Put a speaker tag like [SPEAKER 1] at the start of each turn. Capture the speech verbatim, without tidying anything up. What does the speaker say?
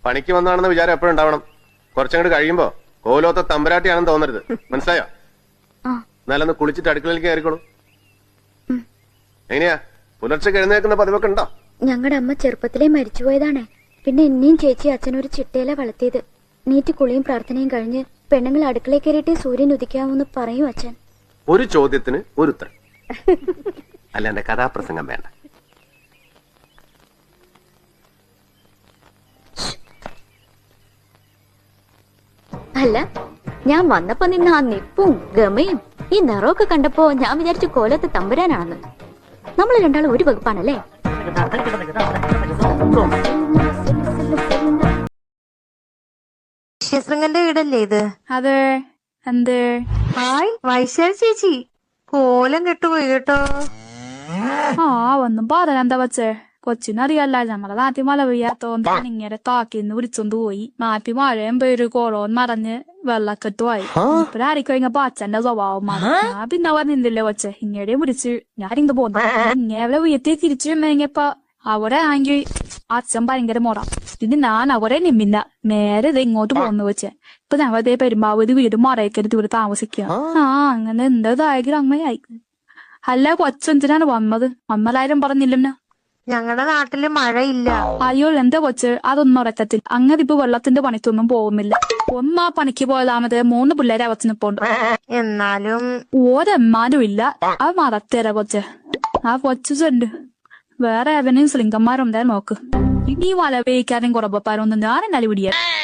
[SPEAKER 1] പണിക്ക് വന്നാണെന്ന് വിചാരം എപ്പോഴും ഉണ്ടാവണം. കുറച്ചങ്ങോട്ട് കഴിയുമ്പോ കോലോത്ത തമ്പരാട്ടിയാണെന്ന് തോന്നരുത്. മനസ്സിലായോ? എന്നാലൊന്ന് കുളിച്ചിട്ട് അടുക്കളയിലേക്ക് കയറിക്കോളൂ. എങ്ങനെയാ പുലർച്ചെ എഴുന്നേക്കുന്ന പതിവൊക്കെ ഉണ്ടോ?
[SPEAKER 2] ഞങ്ങളുടെ അമ്മ ചെറുപ്പത്തിലേ മരിച്ചുപോയതാണേ. പിന്നെ എന്നെയും ചേച്ചി അച്ഛനൊരു ചിട്ടയില വളർത്തിയത്. നീറ്റ് കുളിയും പ്രാർത്ഥനയും കഴിഞ്ഞ് പെണ്ണുങ്ങൾ അടുക്കളയിൽ കയറിയിട്ടേ സൂര്യൻ ഉദിക്കാവൂന്ന് പറയൂ അച്ഛൻ.
[SPEAKER 1] ഒരു ചോദ്യത്തിന് ഒരു ഉത്തരം. അല്ല എന്റെ കഥാപ്രസംഗം വേണ്ട.
[SPEAKER 2] അല്ല, ഞാൻ വന്നപ്പോ നിന്ന് ആ നിപ്പും ഗമയും ഈ നിറമൊക്കെ കണ്ടപ്പോ ഞാൻ വിചാരിച്ചു കോലത്ത് തമ്പുരാനാണെന്ന്. നമ്മൾ രണ്ടാളും ഒരു വകുപ്പാണല്ലേ?
[SPEAKER 3] ശൃംഗന്റെ വീടല്ലേ ഇത്?
[SPEAKER 4] അതെ. എന്ത്?
[SPEAKER 3] ഹായ് വൈശാലി ചേച്ചി, കോലം കെട്ടുപോയി കേട്ടോ.
[SPEAKER 4] ആ ഒന്നും പറയാനെന്താ വച്ചേ, കൊച്ചിനറിയല്ല ഞമ്മടെ നാട്ടിൽ മഴ പെയ്യാത്തോണ്ട് ഇങ്ങനെ താക്കിന്ന് വിളിച്ചോണ്ട് പോയി. നാട്ടിൽ മഴയും പേര് കോളോൻ മറഞ്ഞ് വെള്ളക്കെട്ടുമായി. ഇപ്പഴായിരിക്കും ഇങ്ങ പാച്ചന്റെ സ്വഭാവം മാറി. ഞാൻ പിന്നെ പറഞ്ഞില്ലേ കൊച്ചെ, ഇങ്ങടെയും വിളിച്ച് ഞാൻ ഇങ്ങ് പോന്നു. ഇങ്ങനെ വീട്ടിൽ തിരിച്ചു വന്നപ്പോ അവിടെ ആണെങ്കിൽ അച്ഛൻ ഭയങ്കര മുറ. പിന്നെ ഞാൻ അവരെ നിമ്മില്ല, നേരെ ഇത് ഇങ്ങോട്ട് പോന്നു വെച്ചേ. ഇപ്പൊ ഞങ്ങളതേ പെരുമ്പാവൂര് വീട് മറയക്കരുത് ഇവിടെ താമസിക്കുക. ആ അങ്ങനെ എന്തേതായെങ്കിലും അമ്മയായി. അല്ല കൊച്ചെന്തിനാണ് വന്നത്? അമ്മലാരും പറഞ്ഞില്ലെന്ന്.
[SPEAKER 3] ഞങ്ങളുടെ നാട്ടില് മഴയില്ല.
[SPEAKER 4] അയ്യോ എന്താ കൊച്ച്, അതൊന്നും ഉറക്കത്തിൽ. അങ്ങനെ ഇപ്പൊ വെള്ളത്തിന്റെ പണിക്കൊന്നും പോകുന്നില്ല. ഒന്നാ പണിക്ക് പോയതാമത് മൂന്ന് പിള്ളേരെ അവച്ചിനിപ്പോണ്ട്.
[SPEAKER 3] എന്നാലും
[SPEAKER 4] ഓരെമ്മാരും ഇല്ല. ആ മറത്തേര കൊച്ച്. ആ കൊച്ചു ചെണ്ട് വേറെ അവനെയും സ്ലിംഗന്മാരുണ്ടായ നോക്ക്. ഇനി വല വേയിക്കാനും കുറവപ്പാരൊന്നും ഞാൻ എന്നാലും പിടിയാ.